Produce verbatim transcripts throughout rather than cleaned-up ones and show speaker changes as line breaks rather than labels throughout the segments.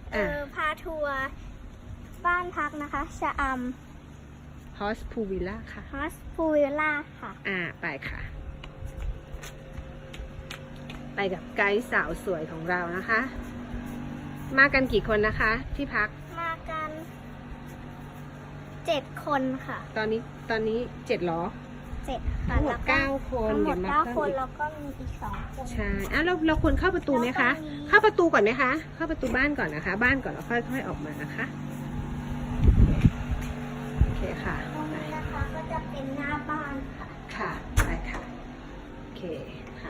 เออพาทัวร์บ้านพักนะคะชะอำ
ฮอสพูวิลล่าค่ะ
ฮอสพูวิลล่าค่ะ
อ่าไปค่ะ ไปกับไกด์สาวสวยของเรานะคะ มากันกี่คนนะคะ ที่พัก
มากันเจ็ดคนค่ะ
ตอนนี้ตอนนี้เจ็ดหรอ
เจ็ดค่ะ
ทั้งหมด
แล้ว
เก้าคน
ทั้งหมด
เดี๋ยวมา
เก้า
เพิ่ม
คน
อีก
แล้วก็มีอีกสองคน
ใช่อ่ะเราเราควรเข้าประตูไหมคะ
แล้วก็มี
เข้าประตูก่อนไหมคะ เข้าประตูบ้านก่อนนะคะ บ้านก่อนแล้วค่อยๆออกมานะคะ โอเคค่ะ
ตรงนี้นะคะก็จะเป็นหน้าบ้านค่ะ
ค่ะไปค่ะ โอเคค่ะ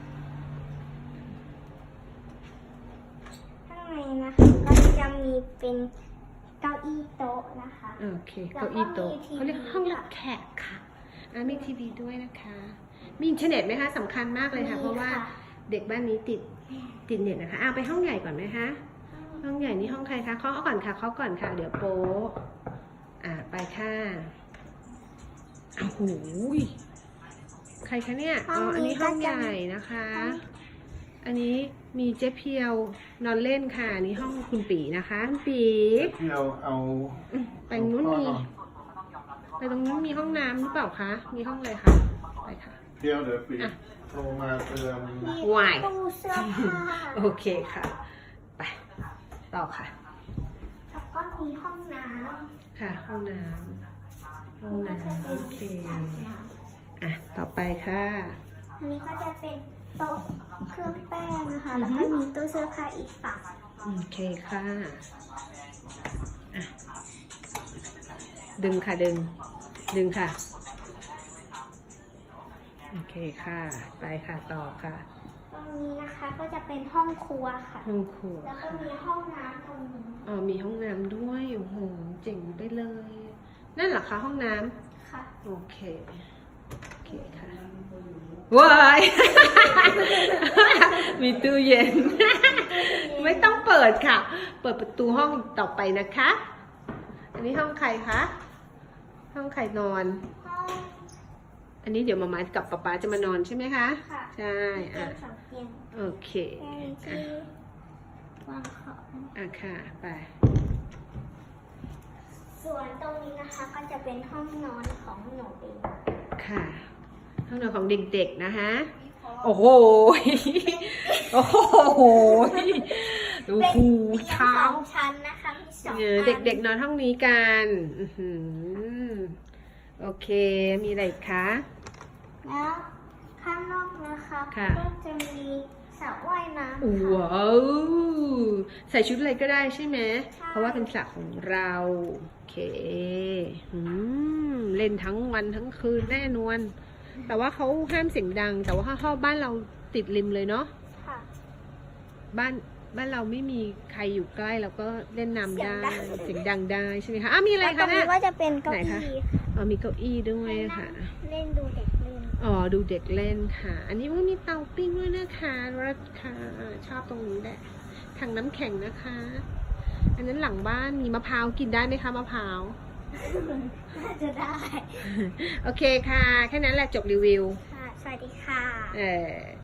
ข้างในนะคะก็จะมีเป็นเก้าอี้โต๊ะนะคะ
โอเคเก้าอี้โต๊ะเขาเรียกห้องรับแขกค่ะอ่ะมีทีวีด้วยนะคะ มีอินเทอร์เน็ตไหมคะสำคัญมากเลยค่ะ เพราะว่าเด็กบ้านนี้ติดติดเน็ตนะคะเอาไปห้องใหญ่ก่อนไหมคะ ห้องใหญ่นี่ห้องใครคะเคาะก่อนค่ะเคาะก่อนค่ะ เดี๋ยวโป๊ะอ่ะไปค่ะโอ้โหใครคะเนี่ยอ๋ออันนี้ห้องใหญ่นะคะ อันนี้มีเจ๊เพียวนอนเล่นค่ะอันนี้ห้องคุณปีนะคะคุณปี
ที่เราเอา
อืมไปนู้นมีไปตรงนู้นมีห้องน้ำหรือเปล่าคะ มีห้องอะไรคะไปค่ะ
เที่ยวเดี๋ยวปี
อ่ะ
โทรมาเตือน
มี
วาย
ตู้เสื้อผ้า
โอเคค่ะ ไปต่อค่ะ
แล้วก็มีห้องน้
ค่ะ ห้องน้ำห้อง
ำก็จะ
น้ำ
เป็
โอน เค
อาบน้
อ่ะต่อไปค่ะ
ำอันนี้ก็จะเป็นโต๊ะเครื่องแป้งนะคะ
อื
แล้
อ
ว
ฮึ
ก็มีตู้เสื้อผ้าอีกฝั่ง
โอเคค่ะอ่ะ ดึงค่ะดึง ดึงค่ะ โอเคค่ะ ไปค่ะต่อค่ะ
ตรงนี้นะคะก็จะเป็นห้องครัวค่ะ
ห้องครัว
แล้วก็
ค่ะ
มีห้องน้ำตรงนี้
อ๋อมีห้องน้ำด้วยโอ้โหเจ๋งไปเลย นั่นเหรอคะห้องน้ำ
ค่ะ
โอเค โอเคค่ะ ว้าย มีตู้เย็น ไม่ต้องเปิดค่ะ เปิดประตูห้องต่อไปนะคะ อันนี้ห้องใครคะ ห้องใครนอน
ห้อง
อันนี้เดี๋ยวมามากับป๊าป๊าจะมานอนใช่ไหมคะ
ค่ะ
ใช่
เตีย
อ่ะ
งสองเตียง
โอเค
แค่นี้ที่วางของ
อ่ะค่ะ ไป
ส่วนตรงนี้นะคะก็จะเป็นห้องนอนของหนูเอง
ค่ะ ห้องนอนของเด็กๆนะคะ โอ้โห โอ้โห ดู
เป็น
หู
เตียง
เท้า
สองชั้นนะคะมีสอง
เออ
อัน
เด็กๆนอนห้องนี้กันอื้อหือโอเค มีอะไรอีกคะ
แล้วข้างนอกนะคะ
ค่ะ
ก็จะมีสระว่ายน้ำค่ะ
ว้าว ใส่ชุดอะไรก็ได้ใช่ไหม เพราะว่าเป็นสระของเรา โอเคอืมเล่นทั้งวันทั้งคืนแน่นอน แต่ว่าเขาห้ามเสียงดัง แต่ว่าห้องบ้านเราติดริมเลยเนาะ
ค่ะ
บ้านบ้านเราไม่มีใครอยู่ใกล้เราก็เล่นน้ำได้
เสี
เสี
ย
ย
ง
ง
ดั
ดั
ง
งได้ใช่ไหมคะอ้าวมีอะไร
แล้วตร
คะ
ง
เนี่
นี้
ย
ก็จะเป็นเก้า
ไหน
อี้
คะ อ๋อมีเก้าอี้ด้วยค่ะ
เล่นดูเด็กเล่น
อ๋อดูเด็กเล่นค่ะ อันนี้ว่ามีเตาปิ้งด้วยนะคะรักค่ะชอบตรงนี้แหละถังน้ำแข็งนะคะ อันนั้นหลังบ้านมีมะพร้าวกินได้ไหมคะมะพร้าว
น่าจะได้
โอเคค่ะ แค่นั้นแหละจบรีวิว
ค่ะ สวัสดีค่ะ
เออ